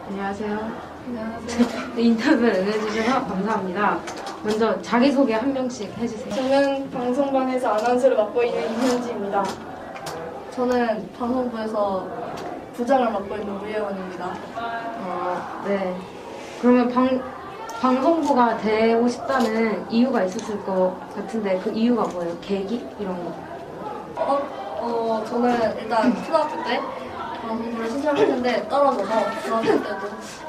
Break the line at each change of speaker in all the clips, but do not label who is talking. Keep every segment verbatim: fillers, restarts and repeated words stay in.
안녕하세요.
안녕하세요.
인터뷰를 응해주셔서 감사합니다. 먼저 자기소개 한 명씩 해주세요.
저는 방송반에서 아나운서를 맡고 있는 임현지입니다. 저는 방송부에서 부장을 맡고 있는 우예원입니다.
어, 네. 그러면 방, 방송부가 되고 싶다는 이유가 있었을 것 같은데 그 이유가 뭐예요? 계기? 이런 거.
어, 어, 저는 일단 초등학교 때 방송부를 신청했는데 떨어져서 중학교 때도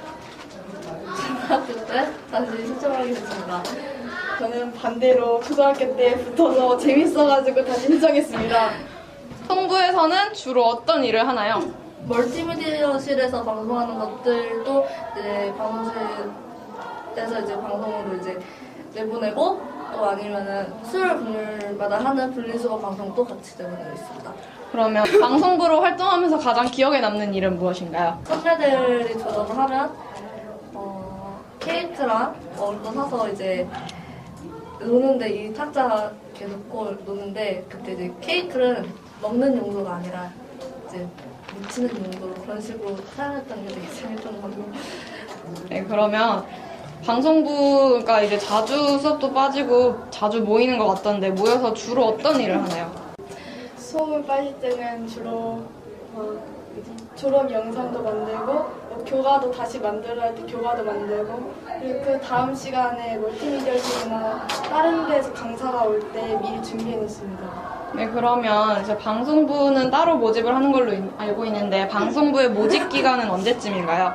중학교 때 다시 신청하게 됐습니다. 저는 반대로 초등학교 때 붙어서 재밌어가지고 다시 신청했습니다.
성부에서는 주로 어떤 일을 하나요?
멀티미디어실에서 방송하는 것들도 이제 방송실에서 이제 방송으로 이제 내보내고 또 아니면은 수요일 금요일마다 하는 분리수거 방송도 같이 내보내고 있습니다.
그러면 방송부로 활동하면서 가장 기억에 남는 일은 무엇인가요?
선배들이 졸업을 하면 어, 케이크랑 얼도 사서 이제 노는데 이 탁자 계속 놓고 노는데 그때 이제 케이크는 먹는 용도가 아니라 이제 묻히는 용도로 그런 식으로 사용했던 게 되게 재밌던 거고.
네, 그러면 방송부가 이제 자주 수업도 빠지고 자주 모이는 것 같던데 모여서 주로 어떤 일을 하나요?
수업을 빠질 때는 주로 뭐 졸업 영상도 만들고 뭐 교과도 다시 만들어야 할 때 교과도 만들고 그리고 그 다음 시간에 멀티미디어실이나 다른 데서 강사가 올 때 미리 준비해 놓습니다.
네, 그러면 이제 방송부는 따로 모집을 하는 걸로 인- 알고 있는데 방송부의 모집 기간은 언제쯤인가요?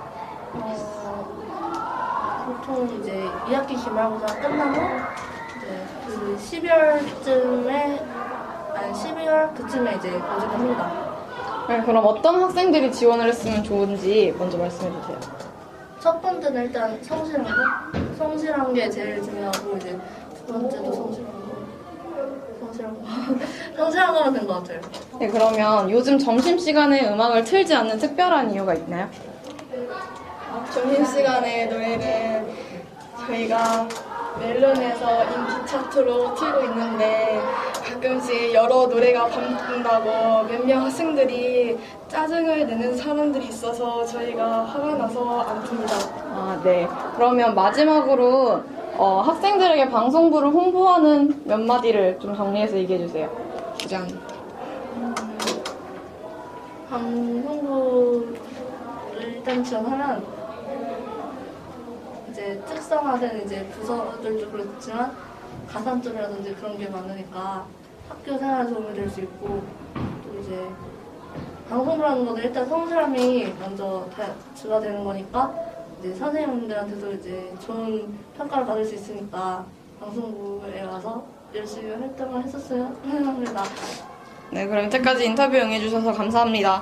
어, 보통 이제 이 학기 기말고사 끝나고 이제 그 십이월쯤에 아니 십이월 그쯤에 이제 모집합니다.
네, 그럼 어떤 학생들이 지원을 했으면 좋은지 먼저 말씀해 주세요.
첫 번째는 일단 성실한 거, 성실한 게 제일 중요하고 이제 두 번째도 성실한 거, 성실한 거, 성실한 거면 된 것 같아요.
네, 그러면 요즘 점심시간에 음악을 틀지 않는 특별한 이유가 있나요?
점심시간에 노래는 저희가 멜론에서 인기 차트로 틀고 있는데 가끔씩 여러 노래가 반복된다고 몇몇 학생들이 짜증을 내는 사람들이 있어서 저희가 화가 나서 안 틉니다.
아, 네. 그러면 마지막으로 어, 학생들에게 방송부를 홍보하는 몇 마디를 좀 정리해서 얘기해 주세요. 부장.
방송부를 일단 지원하면 이제 특성화된 이제 부서들도 그렇지만 가산점이라든지 그런 게 많으니까 학교 생활에 도움이 될 수 있고 또 이제 방송부라는 것은 일단 성실함이 먼저 다 주가 되는 거니까 이제 선생님들한테도 이제 좋은 평가를 받을 수 있으니까 방송부에 와서 열심히 활동을 했었으면 합니다.
네, 그럼 이때까지 인터뷰 응해 주셔서 감사합니다.